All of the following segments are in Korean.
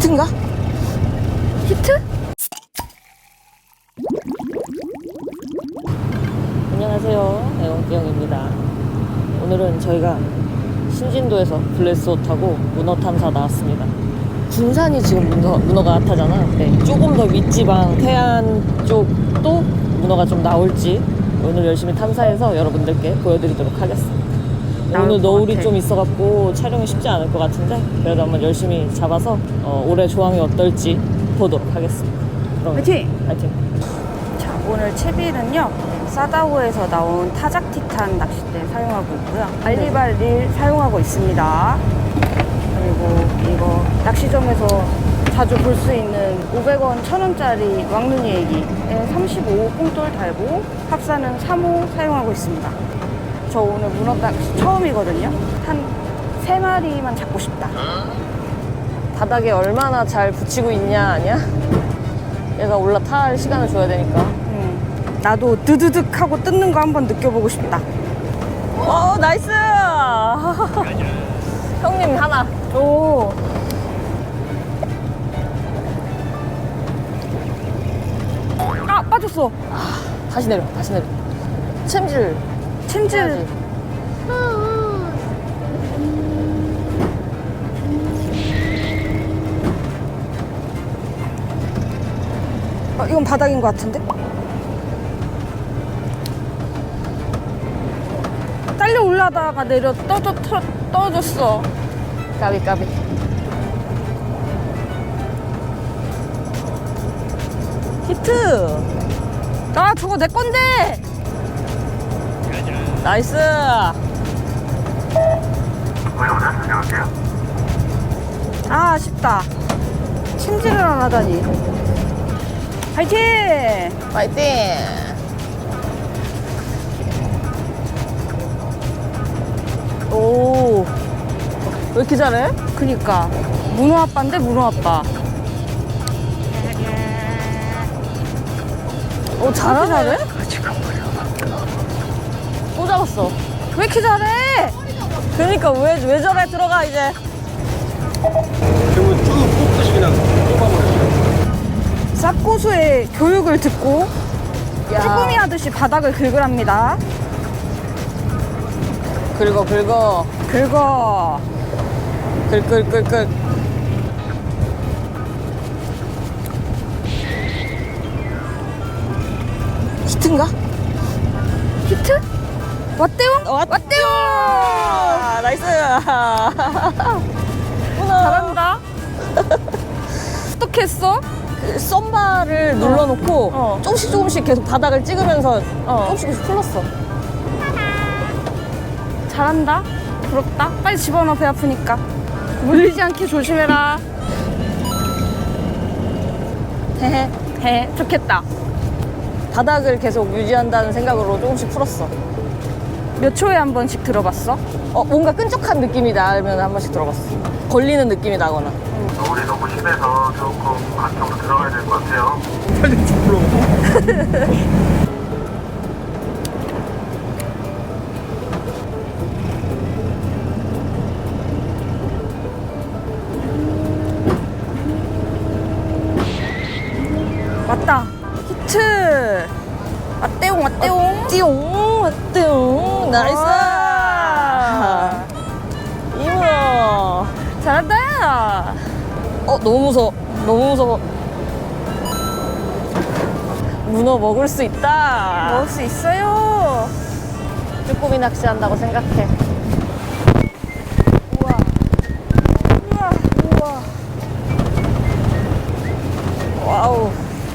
히트인가? 히트? 안녕하세요, 애원기영입니다. 오늘은 저희가 신진도에서 블레스호 타고 문어 탐사 나왔습니다. 군산이 지금 문어가 핫하잖아. 네, 조금 더 윗지방 태안 쪽도 문어가 좀 나올지 오늘 열심히 탐사해서 여러분들께 보여드리도록 하겠습니다. 오늘 너울이 좀 있어갖고 촬영이 쉽지 않을 것 같은데 그래도 한번 열심히 잡아서 올해 조항이 어떨지 보도록 하겠습니다. 그럼 화이팅! 화이팅! 자, 오늘 채빌은요 사다오에서 나온 타작 티탄 낚싯대 사용하고 있고요. 알리발릴 사용하고 있습니다. 그리고 이거 낚시점에서 자주 볼 수 있는 500원, 1000원짜리 왕눈이 애기에 35호 뽕돌 달고 합사는 3호 사용하고 있습니다. 저 오늘 문어 낚시 처음이거든요. 한 3마리만 잡고 싶다. 바닥에 얼마나 잘 붙이고 있냐 아니야? 얘가 올라탈 시간을 줘야 되니까. 나도 드드득 하고 뜯는 거 한번 느껴보고 싶다. 나이스! 형님 하나. 오. 아, 빠졌어. 다시 내려. 챔질. 챔질. 이건 바닥인 것 같은데? 딸려 올라다가 내려 떨어졌어. 까비. 히트! 나 저거 내 건데! 나이스! 아, 아쉽다. 챔질을 안 하다니. 파이팅! 파이팅! 오, 왜 이렇게 잘해? 그니까. 문어 아빠인데, 문어 아빠. 오, 잘하네? 또 잡았어. 왜 이렇게 잘해? 그러니까 왜 저래 들어가 이제. 그러면 쭉 뽑듯이 그냥 뽑아버려요. 쌉고수의 교육을 듣고 야. 쭈꾸미 하듯이 바닥을 긁으랍니다. 긁어. 긁어. 긁. 히트인가? 히트? 왔대용? 왔대용! 나이스! 잘한다. 어떻게 했어? 그 썸바를 눌러놓고 조금씩 계속 바닥을 찍으면서 조금씩 풀렀어. 잘한다. 부럽다. 빨리 집어넣어, 배 아프니까. 물리지 않게 조심해라. 헤헤. 좋겠다. 바닥을 계속 유지한다는 생각으로 조금씩 풀었어. 몇 초에 한 번씩 들어봤어? 뭔가 끈적한 느낌이 나면 한 번씩 들어봤어. 걸리는 느낌이 나거나. 노을이 너무 심해서 조금 안쪽으로 들어가야 될 것 같아요. 빨리 쭉 불러. 왔다. 히트. 왔대용. 띠용. 나이스! 와. 이문어. 잘한다. 너무 무서워. 문어 먹을 수 있다. 먹을 수 있어요. 쭈꾸미 낚시한다고 생각해. 우와. 와우.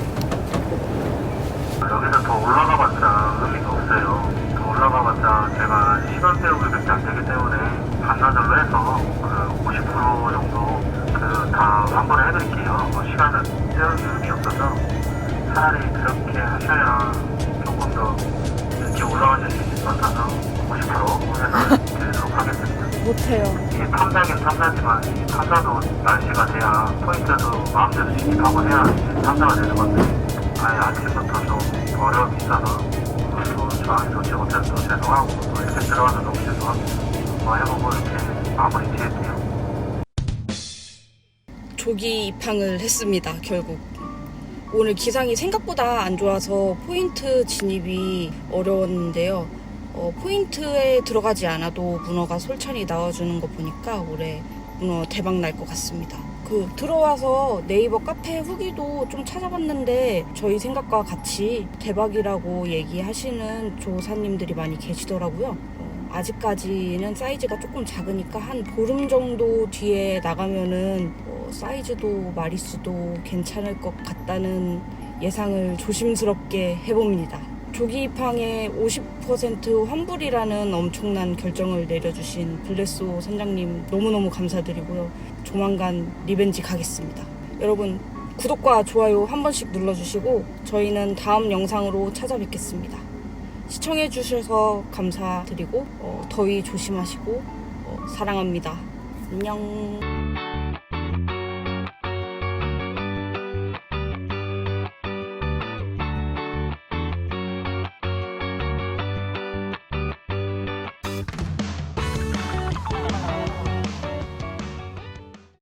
여기서 더 올라가봤자 의미가 없어요. 더 올라가봤자 제가 시간 때우기밖에 안 되기 때문에 반나절로 해서 그 50% 정도 다 환불을 해드릴게요. 시간을 때우기 의미 없어서 차라리 그렇게 하셔야 조금 더 이렇게 올라가실 수 있을 것 같아서 50% 해서 드리도록 하겠습니다. 못해요. 이게 탐사긴 탐사지만 이 탐사도 날씨가 돼야 포인트도 마음대로 진입하고 해야 이제 탐사가 되는 건데 아예 아침부터 좀 어려움이 있어서 또 저항이 좋지 못해서 또 죄송하고 또 이렇게 들어가서 너무 죄송합니다. 뭐 해보고 이렇게 마무리 지을게요. 조기 입항을 했습니다. 결국 오늘 기상이 생각보다 안 좋아서 포인트 진입이 어려웠는데요. 포인트에 들어가지 않아도 문어가 솔찬히 나와주는 거 보니까 올해 문어 대박 날 것 같습니다. 들어와서 네이버 카페 후기도 좀 찾아봤는데 저희 생각과 같이 대박이라고 얘기하시는 조사님들이 많이 계시더라고요. 아직까지는 사이즈가 조금 작으니까 한 보름 정도 뒤에 나가면은 사이즈도 마리수도 괜찮을 것 같다는 예상을 조심스럽게 해봅니다. 조기 입항에 50% 환불이라는 엄청난 결정을 내려주신 블레소 선장님 너무너무 감사드리고요. 조만간 리벤지 가겠습니다. 여러분 구독과 좋아요 한 번씩 눌러주시고 저희는 다음 영상으로 찾아뵙겠습니다. 시청해주셔서 감사드리고 더위 조심하시고 사랑합니다. 안녕.